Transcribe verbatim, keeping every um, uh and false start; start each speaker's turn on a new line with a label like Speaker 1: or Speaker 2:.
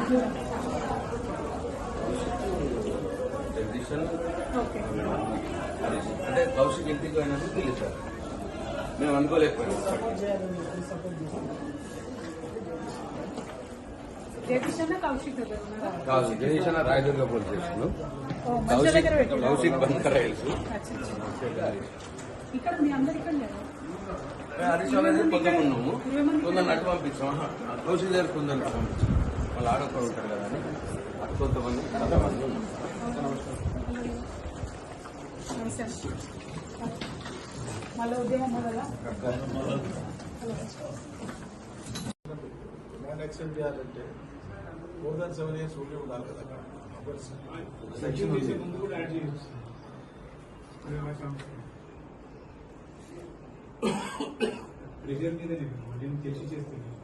Speaker 1: అంటే కౌశిక్ ఇంటికి పోయినప్పుడు పిలిచారు, మేము అనుకోలేకపోయాం. కౌశిక్ జగదీశ్ అన్న రాయదుర్గ పోలీస్ స్టేషన్, కౌశిక్ బంకర్ రైల్స్. హరీష్ అనేది కొందరు ఉన్నాము, కొందరు నటు పంపించాం. కౌశిక్ దగ్గర కొందరు పంపించాం, వాళ్ళు ఆడొక్కడ ఉంటారు కదా అని అటు కొంతమంది కొంతమంది ఉన్నాం.
Speaker 2: మళ్ళీ ఉద్యమం
Speaker 3: ల్యాండ్ యాక్సెప్ట్ చేయాలంటే మోర్ దాన్ సెవెన్ ఇయర్స్ ఉండి ఉండాలి కదా. సెక్షన్ ముందు కూడా యాడ్ చేయొచ్చు. ప్రెజర్ మీద తెలిసి చేస్తుంది.